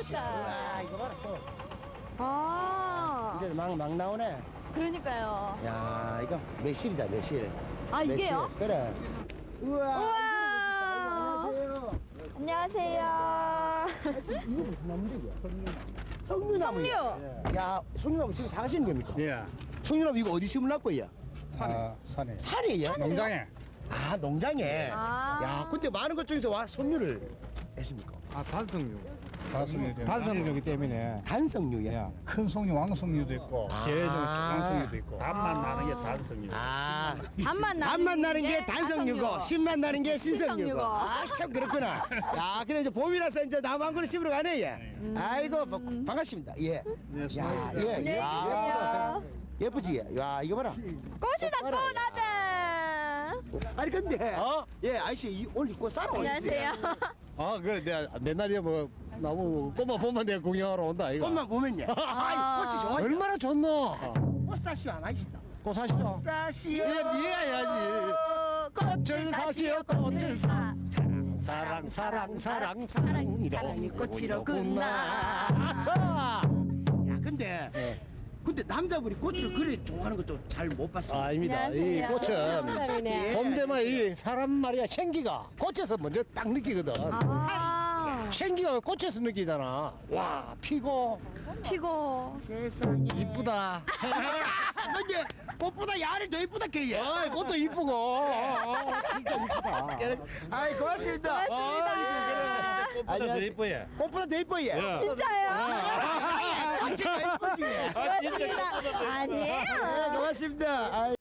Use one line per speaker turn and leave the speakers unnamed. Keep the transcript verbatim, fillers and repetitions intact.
와, 이거 봐라 또.
아,
이제 막, 막 나오네.
그러니까요.
야, 이거 매실이다, 매실.
아, 이게요?
매실. 그래. 우와.
우와.
안녕하세요.
안녕하세요.
이거 무슨 나무인데, 이게? 석류나무.
석류.
야, 석류나무 지금 사가시는 겁니까?
예.
석류나무 이거 어디 심으려고 거야?
아, 산에.
산이에요?
농장에.
아, 농장에.
아.
야, 근데 많은 것 중에서 와 석류를 했습니까?
아, 단성류. 단성류. 단성류기 때문에.
단석류야.
예. 큰 성류, 왕성류도 있고, 계정
아.
조강성류도 있고.
단맛 나는 게 단성이에요.
아,
단맛 나는,
단맛 나는 게 단석류고,
단석류고.
신맛 나는 게 신석류고.
신석류고.
아, 참 그렇구나. 야, 그래 이제 봄이라서 이제 나무 한 그루 심으러 가네, 예. 아이고, 바- 반갑습니다. 예.
네,
야,
수고하셨습니다.
예,
안녕히
예.
계세요.
예쁘지? 야, 이거 봐라.
꽃이다, 꽃, 아자.
아니, 근데, 어? 예, 아저씨, 이- 오늘 꽃 사러 오셨어요?
안녕하세요.
아, 그래 내가 맨날에 뭐 나무 꽃만 보면 내가 구경하러 온다 이거.
꽃만 보면요. 아, 꽃이 좋아.
얼마나 좋노?
꽃 사시오 안 하시다.
꽃 사시오.
사시오.
예, 네가 해야지. 꽃을 사시오, 꽃을 사. 사랑, 사랑, 사랑, 사랑이라.
사랑이 꽃이로구나.
아싸.
야, 근데, 근데 남자분이 꽃을 그래 좋아하는 거 좀 잘 못 봤어요.
아닙니다. 이
안녕하세요.
꽃은
감사합니다.
봄되면 이 사람 말이야 생기가 꽃에서 먼저 딱 느끼거든.
아,
생기가 꽃에서 느끼잖아. 와, 피고
피고.
세상에.
이쁘다.
근데 꽃보다 야를 더 이쁘다 걔.
아, 꽃도 이쁘고. 어, 진짜 이쁘다.
아이 고맙습니다.
고맙습니다.
꽃보다 더 이뻐요.
꽃보다 더 이뻐 얘.
진짜요?
아, 진짜 이쁘지.
고맙습니다. 아니에요.
네, 고맙습니다. 아이.